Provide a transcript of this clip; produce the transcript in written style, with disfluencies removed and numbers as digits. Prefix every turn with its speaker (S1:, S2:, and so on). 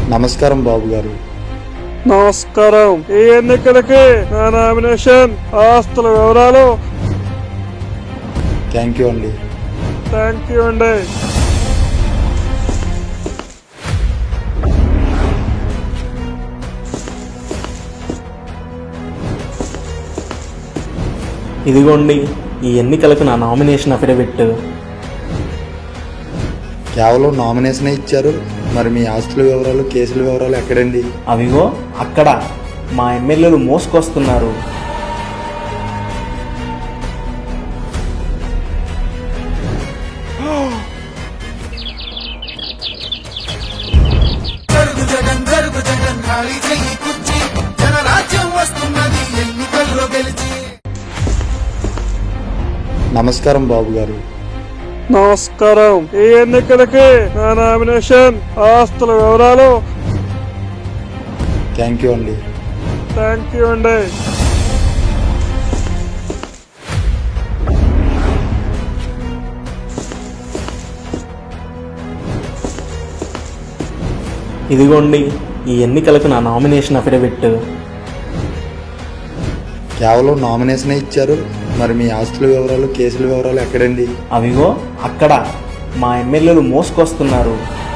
S1: నమస్కారం బాబు గారు.
S2: నమస్కారం. ఈ ఎన్నికలకి నా నామినేషన్ ఆస్తుల వివరాలు.
S1: థ్యాంక్ యూ అండి.
S2: థ్యాంక్ యూ అండి.
S3: ఇదిగోండి ఈ ఎన్నికలకు నా నామినేషన్ అఫిడవిట్.
S1: కేవలం నామినేషన్ ఇచ్చారు, మరి మీ ఆస్తుల వివరాలు, కేసుల వివరాలు ఎక్కడండి?
S3: అవిగో అక్కడ మా ఎమ్మెల్యేలు మోసుకొస్తున్నారు.
S1: నమస్కారం బాబు గారు.
S2: నమస్కారం. ఈ ఎన్నికలకి నా నామినేషన్ ఆస్తుల వివరాలు.
S1: థ్యాంక్ యూ అండి.
S2: థ్యాంక్ యూ అండి.
S3: ఇదిగోండి ఈ ఎన్నికలకు నా నామినేషన్ అఫిడవిట్.
S1: కేవలం నామినేషన్ ఇచ్చారు, మరి మీ ఆస్తుల వివరాలు, కేసుల వివరాలు ఎక్కడండి?
S3: అవిగో అక్కడ మా ఎమ్మెల్యేలు మోసుకొస్తున్నారు.